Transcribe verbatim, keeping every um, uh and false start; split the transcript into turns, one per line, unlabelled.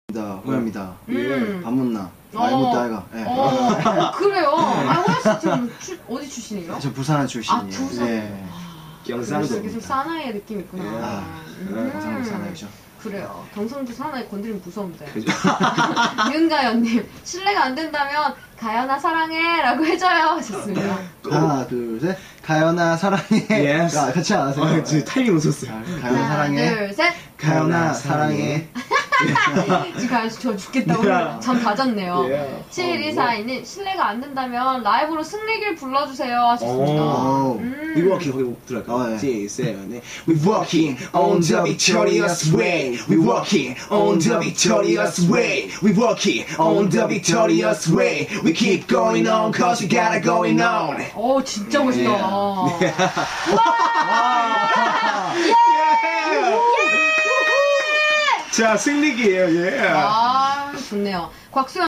호야입니다.
음.
밥 못나.
어.
아이 못다 아이가. 예.
어, 그래요. 아, 호야 씨 지금 출, 어디 출신이에요?
저 부산 출신이에요.
아, 부산.
예.
경상도.
이렇게 좀 사나이의 느낌 있구나.
예.
아,
음.
경상도 사나이죠.
그래요. 경상도 사나이 건드리면 무서운데.
그죠?
윤가연님, 실례가 안 된다면 가연아 사랑해 라고 해줘요 하셨습니다.
하나, 둘, 셋. 가연아 사랑해.
Yes.
아, 같이 안 하세요?
아, 지금 타이밍 놓쳤어요.
아, 가연아
하나,
사랑해.
둘, 셋.
가연아 사랑해.
지금 가연 씨 저 죽겠다고
Yeah.
잠 다 잤네요.
Yeah.
칠일사이님, 실례가 안 된다면 라이브로 승리길 불러주세요 하셨습니다.
오.
음.
We walking, 거기 들어갈까요?
어, 예.
시작. We walking on the victorious way. We walking on the victorious way. We walking on the victorious way. We keep going on cause we got it going on.
어, 진짜 멋있다.
자, 승리기예요. 예.
아, 좋네요. 곽수영